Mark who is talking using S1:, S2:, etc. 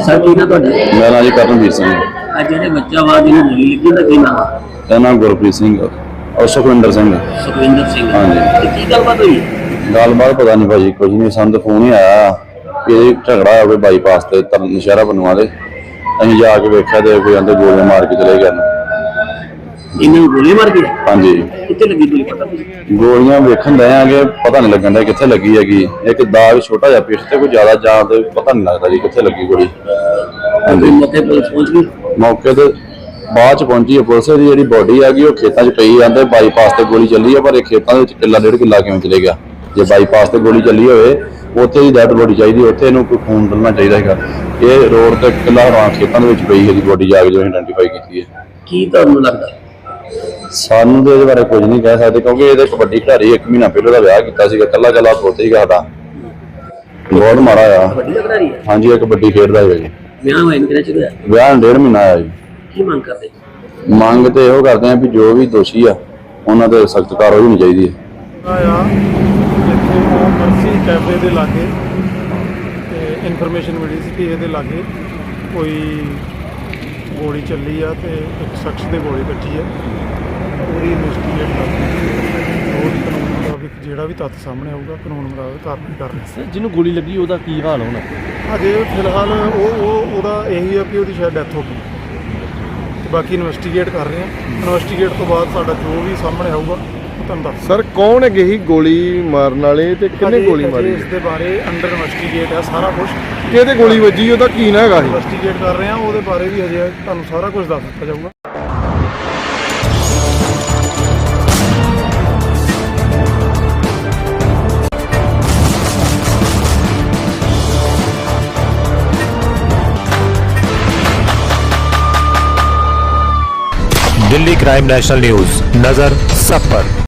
S1: Sir ਕੀ ਨਾ ਤੁਹਾਡਾ
S2: ਮੇਰਾ ਨਾਂ ਜੀ ਕਰਨਵੀਰ ਸਿੰਘ।
S1: ਅੱਜ ਜਿਹੜੇ ਬੱਚਾ ਵਾ ਜਿਹਨੂੰ ਗੋਲੀ ਲੱਗੀ ਤਾਂ ਕੀ ਨਾਮ
S2: ਇਹਦਾ ਨਾਮ ਗੁਰਪ੍ਰੀਤ ਸਿੰਘ ਔਰ ਸੁਖਵਿੰਦਰ ਸਿੰਘ।
S1: ਸੁਖਵਿੰਦਰ ਸਿੰਘ।
S2: ਹਾਂਜੀ।
S1: ਤੇ ਕੀ ਗੱਲਬਾਤ ਹੋਈ?
S2: ਗੱਲਬਾਤ ਪਤਾ ਨਹੀਂ ਭਾਜੀ, ਕੁਝ ਨਹੀਂ, ਸਾਨੂੰ ਤਾਂ ਫੋਨ ਹੀ ਆਇਆ ਕਿ ਇਹ ਝਗੜਾ ਹੋਵੇ ਬਾਈਪਾਸ ਤੇ ਨਸ਼ਹਿਰਾ ਬਨੂਆ ਦੇ। ਅਸੀਂ ਜਾ ਕੇ ਵੇਖਿਆ ਤੇ ਕੋਈ ਅੰਦਰ ਗੋਲੀਆਂ ਮਾਰ ਕੇ ਚਲੇ ਗਏ।
S1: ਇਹਨਾਂ ਨੂੰ ਗੋਲੀ ਮਾਰ ਗਈ?
S2: ਹਾਂਜੀ।
S1: ਕਿੱਥੇ ਲੱਗੀ ਗੋਲੀ ਪਤਾ ਨਹੀਂ?
S2: ਗੋਲੀਆਂ ਵੇਖਣ ਦੇ ਆਂਗੇ, ਪਤਾ ਨਹੀਂ ਲੱਗਣ ਦਾ ਕਿੱਥੇ ਲੱਗੀ ਹੈਗੀ। ਇੱਕ ਦਾਗ ਛੋਟਾ ਜਿਹਾ ਪਿੱਠ ਤੇ, ਕੋਈ ਜ਼ਿਆਦਾ ਜਾਂ ਤੇ ਪਤਾ ਨਹੀਂ ਲੱਗਦਾ ਜੀ ਕਿੱਥੇ ਲੱਗੀ ਗੋਲੀ। ਹਾਂਜੀ।
S1: ਮੌਕੇ ਪੁਲਿਸ ਪਹੁੰਚ ਗਈ?
S2: ਮੌਕੇ ਤੇ ਬਾਅਦ ਚ ਪਹੁੰਚੀ ਹੈ ਪੁਲਿਸ। ਦੀ ਜਿਹੜੀ ਬੋਡੀ ਹੈਗੀ ਉਹ ਖੇਤਾਂ 'ਚ ਪਈ ਜਾਂਦੇ। ਬਾਈਪਾਸ ਤੇ ਗੋਲੀ ਚੱਲੀ ਹੈ, ਪਰ ਇਹ ਖੇਤਾਂ ਦੇ ਵਿੱਚ ਕਿੱਲਾ 1.5 ਕਿੱਲਾ ਕਿਵੇਂ ਚਲੇ ਗਿਆ? ਜੇ ਬਾਈਪਾਸ ਤੇ ਗੋਲੀ ਚੱਲੀ ਹੋਵੇ ਉੱਥੇ ਹੀ ਡੈਡ ਬੋਡੀ ਚਾਹੀਦੀ, ਉੱਥੇ ਇਹਨੂੰ ਕੋਈ ਖੂਨ ਡਲਣਾ ਚਾਹੀਦਾ ਹੈਗਾ। ਇਹ ਰੋਡ ਤੇ ਕਿੱਲਾ ਹਰਾਂ ਖੇਤਾਂ ਦੇ ਵਿੱਚ ਪਈ ਹੈਗੀ ਬੋਡੀ, ਜਾ ਕੇ ਜੋ ਆਇਡੈਂਟੀਫਾਈ ਕੀਤੀ ਹੈ।
S1: ਕੀ ਤੁਹਾਨੂੰ ਲੱਗਦਾ?
S2: ਸਾਨੂੰ ਤੇ ਇਹਦੇ ਬਾਰੇ ਕੁਝ ਨਹੀਂ ਕਹਿ ਸਕਦੇ, ਕਿਉਂਕਿ ਇਹਦੇ ਕਬੱਡੀ ਖਿਡਾਰੀ 1 ਮਹੀਨਾ ਪਹਿਲਾਂ ਦਾ ਵਿਆਹ ਕੀਤਾ ਸੀਗਾ। ਕੱਲਾ ਪੁੱਤ ਸੀਗਾ ਸਾਡਾ। ਬਹੁਤ ਮਾੜਾ ਆ।
S1: ਕਬੱਡੀ ਦਾ ਖਿਡਾਰੀ ਹੈ?
S2: ਹਾਂਜੀ, ਇਹ ਕਬੱਡੀ ਖੇਡਦਾ ਹੈ ਜੀ।
S1: ਵਿਆਹ ਹੋਇਆ ਕਿਹੜਾ ਚਿਰ ਹੋਇਆ?
S2: ਵਿਆਹ 1.5 ਮਹੀਨਾ ਆਇਆ ਜੀ।
S1: ਕੀ ਮੰਗ ਕਰਦੇ?
S2: ਮੰਗ ਤੇ ਇਹੋ ਕਰਦੇ ਆ ਵੀ ਜੋ ਵੀ ਦੋਸ਼ੀ ਆ ਉਹਨਾਂ ਤੇ ਸਖਤ ਕਾਰਵਾਈ ਹੋਣੀ ਚਾਹੀਦੀ ਹੈ।
S3: ਜਿੱਥੇ ਮਰਸੀ ਕੈਫੇ ਦੇ ਲਾਗੇ ਤੇ ਇਨਫੋਰਮੇਸ਼ਨ ਮਿਲੀ ਸੀ ਕਿ ਇਹਦੇ ਲਾਗੇ ਕੋਈ ਗੋਲੀ ਚੱਲੀ ਆ ਤੇ ਇੱਕ ਸ਼ਖਸ ਦੇ ਗੋਲੀ ਵੱਜੀ ਆ। ਪੂਰੀ ਇਨਵੈਸਟੀਗੇਟ ਕਰਦੇ ਉਹ ਕਾਨੂੰਨ ਮੁਤਾਬਿਕ ਜਿਹੜਾ ਵੀ ਤੱਥ ਸਾਹਮਣੇ ਆਊਗਾ ਕਾਨੂੰਨ ਮੁਤਾਬਿਕ ਕਾਰਵਾਈ ਕਰ ਰਹੇ।
S4: ਸਰ ਜਿਹਨੂੰ ਗੋਲੀ ਲੱਗੀ ਉਹਦਾ ਕੀ ਹਾਲ ਹੋਣਾ?
S3: ਅਜੇ ਫਿਲਹਾਲ ਉਹਦਾ ਇਹੀ ਆ ਕਿ ਉਹਦੀ ਸ਼ਾਇਦ ਡੈਥ ਹੋ ਗਈ ਤੇ ਬਾਕੀ ਇਨਵੈਸਟੀਗੇਟ ਕਰ ਰਹੇ ਆ। ਇਨਵੈਸਟੀਗੇਟ ਤੋਂ ਬਾਅਦ ਸਾਡਾ ਜੋ ਵੀ ਸਾਹਮਣੇ ਆਊਗਾ ਤੁਹਾਨੂੰ ਦੱਸ।
S5: ਸਰ ਕੌਣ ਹੈਗੇ ਸੀ ਗੋਲੀ ਮਾਰਨ ਵਾਲੇ ਤੇ ਕਿੰਨੇ ਗੋਲੀ ਮਾਰੀ?
S3: ਇਸ ਦੇ ਬਾਰੇ ਅੰਡਰ ਇਨਵੈਸਟੀਗੇਟ ਹੈ ਸਾਰਾ ਕੁਝ।
S5: ਕਿਹਦੇ ਗੋਲੀ ਵੱਜੀ ਉਹਦਾ ਕੀ ਨਾ ਹੈਗਾ ਸੀ?
S3: ਇਨਵੈਸਟੀਗੇਟ ਕਰ ਰਹੇ ਆ, ਉਹਦੇ ਬਾਰੇ ਵੀ ਹਜੇ ਤੁਹਾਨੂੰ ਸਾਰਾ ਕੁਝ ਦੱਸ ਦਿੱਤਾ ਜਾਊਗਾ।
S6: दिल्ली क्राइम नेशनल न्यूज, नजर सब पर।